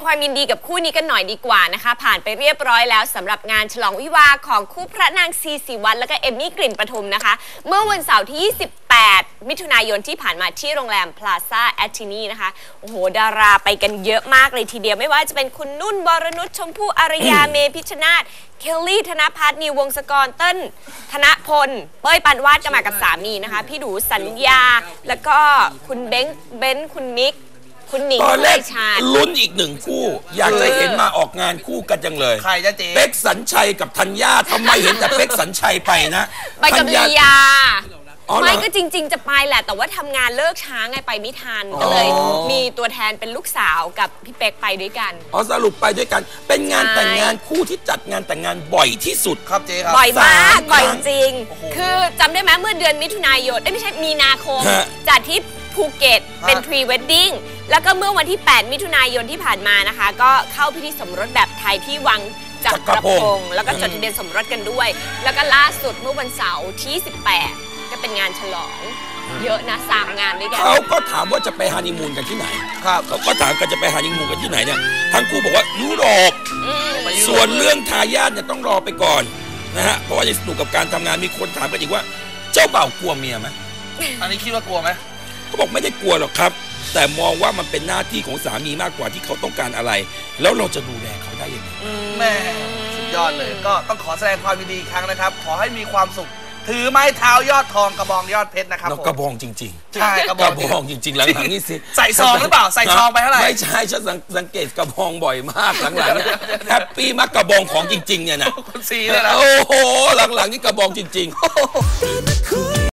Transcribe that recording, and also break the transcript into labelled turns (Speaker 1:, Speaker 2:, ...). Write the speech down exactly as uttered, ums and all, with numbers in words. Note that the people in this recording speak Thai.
Speaker 1: ความยินดีกับคู่นี้กันหน่อยดีกว่านะคะผ่านไปเรียบร้อยแล้วสำหรับงานฉลองวิวาห์ของคู่พระนางซีสีวัฒน์และก็เอมมี่กลิ่นปทุมนะคะเมื่อวันเสาร์ที่ยี่สิบแปดมิถุนายนที่ผ่านมาที่โรงแรมพลาซ่าแอตตินีนะคะโอ้โหดาราไปกันเยอะมากเลยทีเดียวไม่ว่าจะเป็นคุณนุ่นวรนุชชมพู่อารยา เมพิชชนาธิ์เคลลี่ธนภัทรนิววงศกรเต้นธนพลเป้ยปานวาดก็มากับสามีนะคะพี่ดูสัญญาแล้วก็คุณเบ้งเบ้นคุณมิกคุณหนิงตอนแรก
Speaker 2: ลุ้นอีกหนึ่งคู่อยากจะเห็นมาออกงานคู่กันจังเลย
Speaker 3: ใครจะเจ๊
Speaker 2: เป๊กสัญชัยกับธัญญาทำไมเห็นแต่เป๊กสัญชัยไปนะ
Speaker 1: ไปกับลียาไม่ก็จริงๆจะไปแหละแต่ว่าทำงานเลิกช้าไงไปไม่ทันก็เลยมีตัวแทนเป็นลูกสาวกับพี่เป๊กไปด้วยกัน
Speaker 2: อ๋อสรุปไปด้วยกันเป็นงานแต่งงานคู่ที่จัดงานแต่งงานบ่อยที่สุด
Speaker 3: ครับเจ๊ครับ
Speaker 1: บ่อยมากบ่อยจริงคือจำได้ไหมเมื่อเดือนมิถุนายนไม่ใช่มีนาคมจัดที่ภูเก็ตเป็นพรีเวดดิ้งแล้วก็เมื่อวันที่แปดมิถุนายนที่ผ่านมานะคะก็เข้าพิธีสมรสแบบไทยที่วังจักรพงศ์แล้วก็จดทะเบียนสมรสกันด้วยแล้วก็ล่าสุดเมื่อวันเสาร์ที่สิบแปดก็เป็นงานฉลองเยอะนะสามงานด้วยกัน
Speaker 2: เขาก็ถามว่าจะไปฮันนีมูนกันที่ไหนครับเขาก็ถามกันจะไปฮันนีมูนกันที่ไหนเนี่ยทั้งคู่บอกว่ายุโรปส่วนเรื่องทายาทเนี่ยต้องรอไปก่อนนะฮะเพราะว่าจะสนุกกับการทำงานมีคนถามกันอีกว่าเจ้าบ่าวกลัวเมียไหม
Speaker 3: อันนี้คิดว่ากลัวไหม
Speaker 2: เขาบอกไม่ได้กลัวหรอกครับแต่มองว่ามันเป็นหน้าที่ของสามีมากกว่าที่เขาต้องการอะไรแล้วเราจะดูแลเขาได้ยังไง
Speaker 3: แม่สุดยอดเลยก็ต้องขอแสดงความยินดีอีกครั้งนะครับขอให้มีความสุขถือไม้เท้ายอดทองกระบองยอดเพชรนะครับ
Speaker 2: กระบองจริง
Speaker 3: ๆใช่กระ
Speaker 2: บองจริงๆหลังๆนี่สิ
Speaker 3: ใส่ซองหรือเปล่าใส่ซองไปเท่าไหร่
Speaker 2: ไม่ใช่ฉันสังเกตกระบองบ่อยมากหลังๆแฮปปี้มากกระบองของจริงๆเนี่ยนะ
Speaker 3: คุณซีเลยนะ
Speaker 2: โอ้โหหลังๆนี่กระบองจริงๆ